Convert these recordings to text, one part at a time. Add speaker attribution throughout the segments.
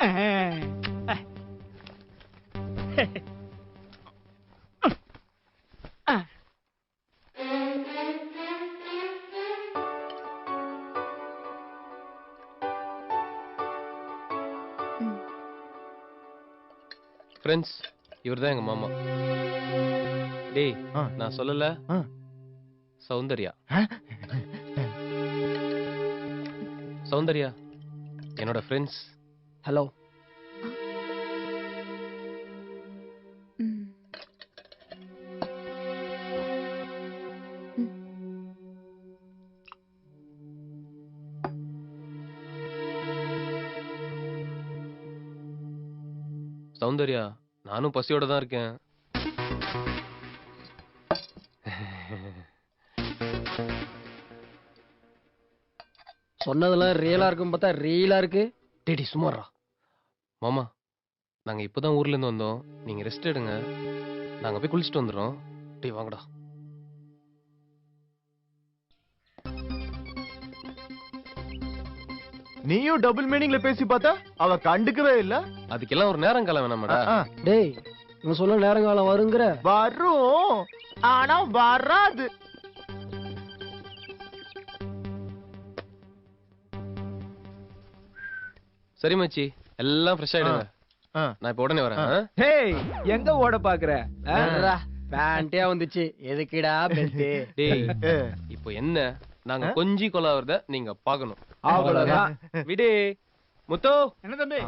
Speaker 1: Friends, இவர்தான் எங்க மாமா. டேய், நான் சொல்லல, சௌந்தர்யா. சௌந்தர்யா என்னோட ஃப்ரெண்ட்ஸ்.
Speaker 2: ஹலோ.
Speaker 1: சௌந்தர்யா, நானும் பசியோட தான் இருக்கேன்.
Speaker 2: சொன்னதெல்லாம் ரியலா இருக்கும் பார்த்தா ரீலா இருக்கு.
Speaker 1: டேடி சுமாரா. மாமா, நாங்க இப்பதான் ஊர்ல இருந்து வந்தோம். நீங்க ரெஸ்ட் எடுங்க, நாங்க போய் குளிச்சுட்டு வந்துடுறோம். டேய் வாங்கடா.
Speaker 3: நீயும் டபுள் மீனிங்ல பேசி பார்த்தா அவ கண்டுக்கவே இல்ல.
Speaker 1: அதுக்கெல்லாம் ஒரு நேரம் காலம் வேணாமடா.
Speaker 2: டேய், இவன் சொல்ல நேரங்காலம் வருங்கிற.
Speaker 3: வரும், ஆனா வராது.
Speaker 1: சரி மச்சி, எல்லாம் ஃப்ரெஷ் ஆயிடுங்க. நான் இப்ப உடனே வரேன்.
Speaker 4: டேய், எங்க ஓட பாக்குற?
Speaker 2: பேண்டே வந்துச்சு, எதுக்குடா பெல்ட்?
Speaker 1: டேய், இப்போ என்ன, நாங்க கொஞ்சி கொலாவறத நீங்க பாக்கணும்.
Speaker 4: அவ்வளவுதான்.
Speaker 1: விடு. முத்து,
Speaker 4: என்ன தம்பி?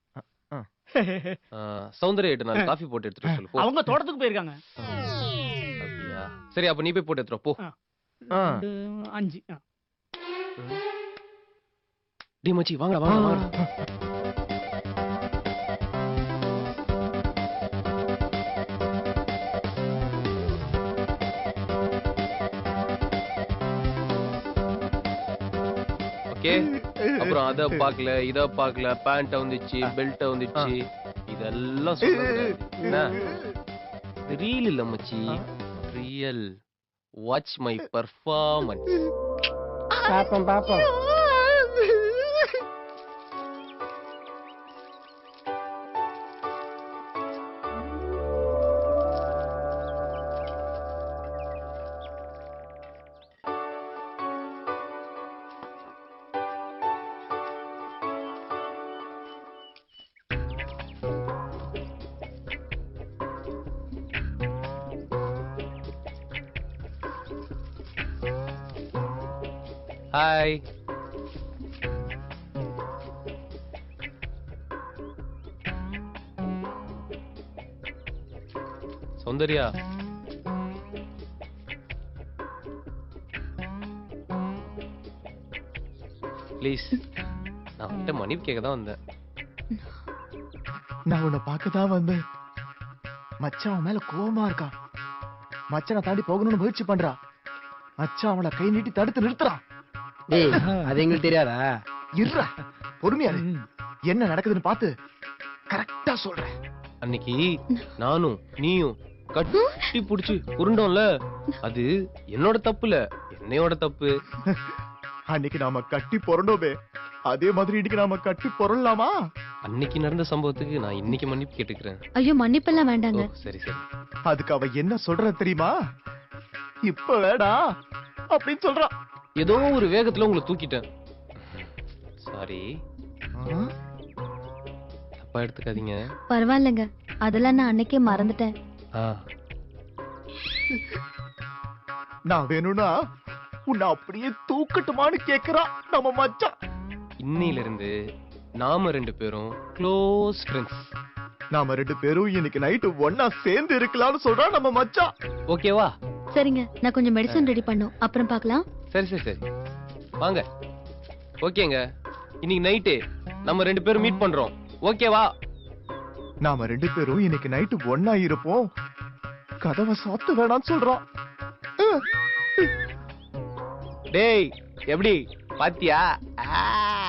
Speaker 1: சௌந்தர்யா கிட்ட நான் காஃபி போட்டு எடுத்துட்டு சொல்லு. போ.
Speaker 4: அவங்க தோட்டத்துக்கு போயிருக்காங்க.
Speaker 1: அப்படியா? சரி, அப்ப நீ போய் போட்டு எடுத்துரு போ.
Speaker 4: 5.
Speaker 1: டேய் மச்சி, வாங்கடா வாங்க வாங்க. ஓகே, அப்புறம் அத பாக்கல, இத பாக்கல, பேண்ட் வந்துச்சு, பெல்ட் வந்துச்சு, இதெல்லாம் சொல்றது என்ன? ரீல் இல்ல மச்சி, ரியல். Watch my performance.
Speaker 2: பாப்போம் பாப்போம்.
Speaker 1: ஹாய். சௌந்தர்யா, ப்ளீஸ், நான் உன்கிட்ட மன்னிப்பு கேட்க தான் வந்தேன்.
Speaker 3: நான் உன்னை பார்க்கதான் வந்தேன். மச்சான் அவன் மேல கோவமா இருக்கான். மச்சானை தாண்டி போகணும்னு முயற்சி பண்றா. மச்சான் அவளை கை நீட்டி தடுத்து நிறுத்துறான்.
Speaker 2: டேய், அது எங்களுக்கு தெரியாதா?
Speaker 3: இருடா, பொறுமையா இரு. என்ன நடக்குதுன்னு பார்த்து கரெக்டா சொல்றேன்.
Speaker 1: அன்னைக்கு நானும் நீயும் கட்டி புடிச்சு உருண்டோம்ல, அது என்னோட தப்புல, என்னையோட தப்பு.
Speaker 3: அன்னைக்கு நாம கட்டி பொறண்டோமே, அதே மாதிரி இன்னைக்கு நாம கட்டி பொறலாமா?
Speaker 1: அன்னைக்கு நடந்த சம்பவத்துக்கு நான் இன்னைக்கு மன்னிப்பு கேட்டுக்கிறேன்.
Speaker 5: ஐயோ, மன்னிப்பெல்லாம் வேண்டாங்க.
Speaker 1: சரி சரி.
Speaker 3: அதுக்கு அவ என்ன சொல்ற தெரியுமா? இப்ப வேடா அப்படின்னு சொல்றான்.
Speaker 1: ஏதோ ஒரு வேகத்துல உங்களை தூக்கிட்டேன். சாரி, தப்பா எடுத்துக்காதீங்க.
Speaker 5: பரவாயில்லைங்க, அதெல்லாம் நான் அன்னைக்கே மறந்துட்டேன்.
Speaker 3: நான் வேணும்னா உன்னை அப்படியே தூக்கட்டுமான்னு கேக்குறான் நம்ம மச்சான்.
Speaker 1: இன்னையில இருந்து நாம 2 பேரும் க்ளோஸ் ஃப்ரெண்ட்ஸ்.
Speaker 3: நாம 2 பேரும் இன்னைக்கு நைட்டு ஒன்னா சேர்ந்து இருக்கலாம்னு சொல்றான் நம்ம மச்சான்.
Speaker 1: ஓகேவா?
Speaker 5: சரிங்க, நான் கொஞ்சம் மெடிசன் ரெடி பண்ணும், அப்புறம் பார்க்கலாம்.
Speaker 1: சரி சரி சரி, வாங்க. ஓகேங்க, இன்னைக்கு நைட்டு நம்ம 2 பேரும் மீட் பண்றோம். ஓகேவா?
Speaker 3: நாம 2 பேரும் இன்னைக்கு நைட்டு ஒன்னா இருப்போம். கதவை சாத்த வேணாம்னு சொல்றான்.
Speaker 1: டேய், எப்படி பாத்தியா?